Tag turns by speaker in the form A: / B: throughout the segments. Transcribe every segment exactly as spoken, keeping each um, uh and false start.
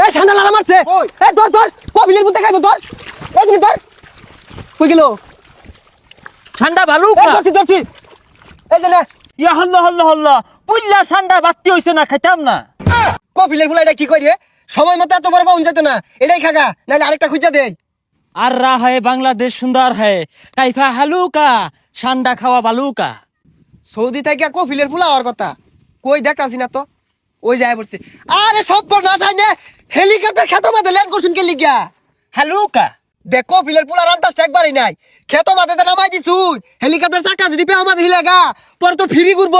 A: এই ঠান্ডা লাগা মারছে এই ধর ধর কপিলের মধ্যে খাইবো ধর এই জিনিস ধর কই গেল
B: ঠান্ডা ভালো
A: এই ধরছি ধরছি এই যে না
B: ইয়া হল্লা হল্লা হল্লা পুল্লা ঠান্ডা বাতি হইছে না খাইতাম না
A: কপিলের ফুলা এটা কি করি সময় মতো এত বড় পাউন যেত না এটাই খাগা নাহলে আরেকটা খুঁজা দেই
B: আর রা হয় বাংলাদেশ সুন্দর হয় কাইফা হালুকা ঠান্ডা খাওয়া বালুকা
A: সৌদি থেকে কপিলের ফুলা হওয়ার কথা কই দেখাছি না তো ওই যায় পড়ছে আরে সব না যায় না হেলিকপ্টার খেতো মাঝে ল্যান্ড করছুন কে লিগা
B: হালুকা
A: দেখ কপিলের ফুলা রান্তাস একবারই নাই খেতো মাঝে নামাই দিছুন হেলিকপ্টার চাকা যদি পেও মাঝে হিলেগা পরে তো ফ্রি ঘুরবো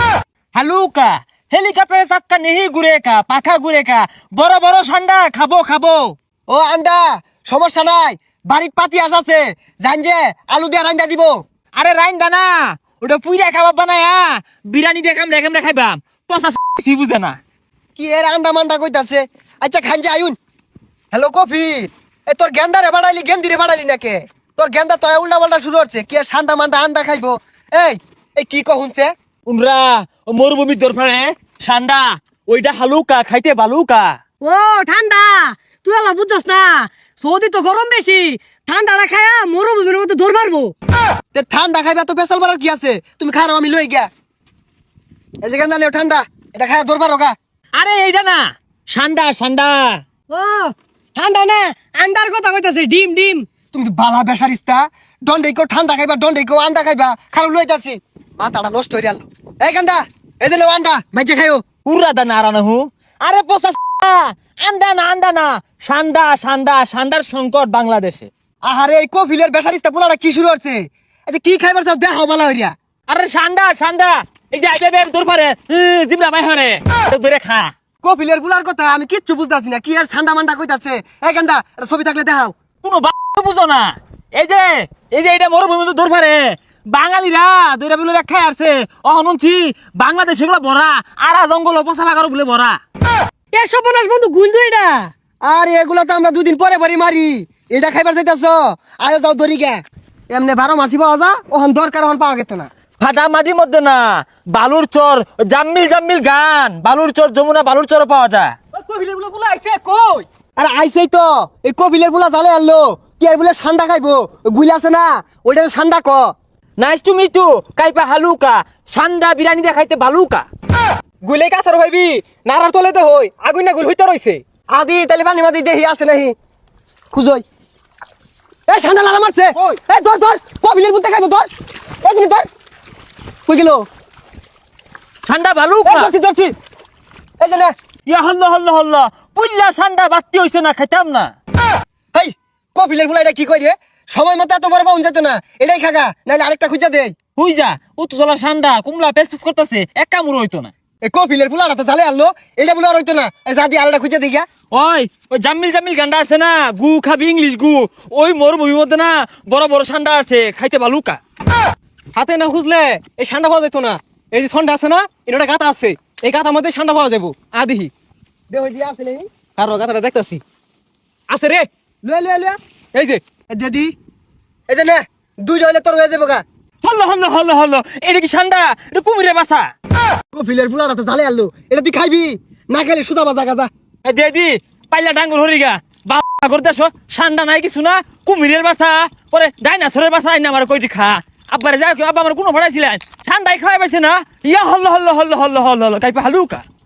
B: হালুকা হেলিকপ্টারে চাক্কা নেহি ঘুরে কা পাখা ঘুরে কা বড় বড় ঠান্ডা খাবো খাবো
A: ও আন্ডা সমস্যা নাই বাড়ির পাতি আস আছে জান যে আলু দিয়ে রান্দা দিব
B: আরে রাইন দানা ওটা পুইরা খাবার বানায়া বিরিয়ানি দেখাম রেখাম রেখাইবাম পচা সি বুঝে না
A: কি এর আন্ডা মান্ডা কইতাছে আচ্ছা খান যে আয়ুন হ্যালো কফি এ তোর গেন্দা রে বাড়াইলি গেন্দি রে বাড়াইলি নাকে তোর গেন্দা তো উল্টা পাল্টা শুরু হচ্ছে কি আর ঠান্ডা মান্ডা আন্ডা খাইবো এই এই কি কহুনছে
B: উনরা ও মরুভূমির দরফারে ঠান্ডা ওইটা হালুকা খাইতে বালুকা
C: ও ঠান্ডা তুই আলা বুঝছস না সৌদি তো গরম বেশি ঠান্ডা না খায়া মরুভূমির মতো দৌড় মারবো
A: তে ঠান্ডা খাইবা তো পেশাল বাড়ার কি আছে তুমি খাও আমি লই গিয়া এই যে গেন্দা লেও ঠান্ডা এটা খায়া দরবার হোগা
B: আরে এইটা না ঠান্ডা ঠান্ডা
C: ও ঠান্ডা না আন্ডার কথা কইতাছে ডিম ডিম
A: তুমি তো বালা বেসারিস্তা দন্ডে কো ঠান্ডা খাইবা দন্ডে কো আন্ডা খাইবা খারাপ লইতাছি মাথাটা নষ্ট হইরা আলো এই গেন্দা এই যে লেও আন্ডা মাইজে খাইও
B: উড়রা দা নারানা হু আরে পচা আন্ডা না আন্ডা না ঠান্ডা ঠান্ডা ঠান্ডার সংকট বাংলাদেশে
A: আহারে এই কফিলের বেসারিস্তা পোলাটা কি শুরু হচ্ছে আচ্ছা কি খাইবার চাও দেখাও বালা হইরা
B: আরে ঠান্ডা ঠান্ডা এই যে আইবে দরবারে জিমরা মাই হরে ধরে খা
A: কফিলের বুলার কথা আমি কিচ্ছু বুঝতাছি না কি আর ঠান্ডা মান্ডা কইতাছে এই গেন্দা এটা ছবি থাকলে দেখাও
B: কোনো বুঝো না এই যে এই যে এটা মরুভূমিতে দরবারে বাঙালিরা দুইটা বিলে খাই আসছে অহনছি বাংলাদেশ এগুলো ভরা আরা জঙ্গল পচা বাগারও বলে ভরা
C: এ সর্বনাশ বন্ধু গুল দুই এটা
A: আর এগুলা তো আমরা দুদিন পরে পরে মারি এটা খাইবার চাইতাছ আয়ো যাও দরি গে এমনি বারো মাসি পাওয়া যা ওখান দরকার ওখান পাওয়া গেত না
B: ফাটা মাটির মধ্যে না বালুর চর জাম্মিল জাম্মিল গান বালুর চর যমুনা বালুর চর পাওয়া যায়
C: কবিলের বলে বলে আইছে কই
A: আরে আইসেই তো এই কপিলের বুলা জালে আনলো কি আর বলে ঠান্ডা খাইবো গুইলা আছে না ওইটা ঠান্ডা ক
B: নাইস টু মিট টু কাইপা হালুকা সান্ডা বিরিয়ানি দেখাইতে বালুকা
C: গুলে কাছার ভাইবি নারার তলে তো হই আগুন না গুল হইতে রইছে
A: আদি তাহলে পানি মাদি দেহি আছে নাহি খুঁজই এই ঠান্ডা লাগা মারছে এই ধর ধর কপিলের মধ্যে খাইবো ধর এই জিনিস ধর কই গেল
B: সান্ডা
A: এই
B: বালুকা
A: ধরছি ধরছি এই যে না
B: ইয়া হল্লা হল্লা হল্লা পুল্লা সান্ডা বাতি হইছে না খাইতাম না
A: হেই কপিলের ফুলা এটা কি করি সময় মতো এত বড় পাউন যেত না এটাই খাগা নাহলে আরেকটা খুঁজা দেই
B: হুই যা উত্তজলা সান্ডা কুমলা পেস পেস করতেছে এক কামড় হইতো না
A: এই কপিলের ফুলাটা তো জালে আনলো এটা বলে আর হইতো না এই যা দিয়ে আরেকটা খুঁজা দেই গিয়া
B: ওই ওই জাম্মিল জাম্মিল গান্ডা আছে না গু খাবি ইংলিশ গু ওই মরুভূমির মধ্যে না বড় বড় সান্ডা আছে খাইতে বালুকা
C: হাতে না খুঁজলে এই ঠান্ডা পাওয়া যেত না এই যে ঠান্ডা আছে না এটা গাতা আছে এই গাতার মধ্যে ঠান্ডা পাওয়া যাবো আদিহি
A: দেহ দিয়া আছে নাকি
C: কারো গাতাটা দেখতাছি আছে রে
A: লয়ে লয়ে লয়ে
C: এই যে
A: এই দিদি এই যে না দুইটা হইলে তোর হয়ে যাবো গা
B: হল্লো হল্লো হল্লো হল্লো এটা কি সান্ডা এটা কুমিরে বাসা
A: কপিলের ফুলাটা তো জালে আনলো এটা তুই খাইবি না খাইলে সুদা বাজা গাজা
B: এ দে দি পাইলা ডাঙ্গুর হরিগা বাবা করে দেশ সান্ডা নাই কিছু না কুমিরের বাসা পরে ডাইনাসরের বাসা আইনা আমার কইটি খা আব্বারে যাও আব্বা আমার কোনো ভাড়াইছিলেন ঠান্ডাই খাওয়াই পাইছে না ইয়া hello hello hello hello hello hello কাইপা হালুকা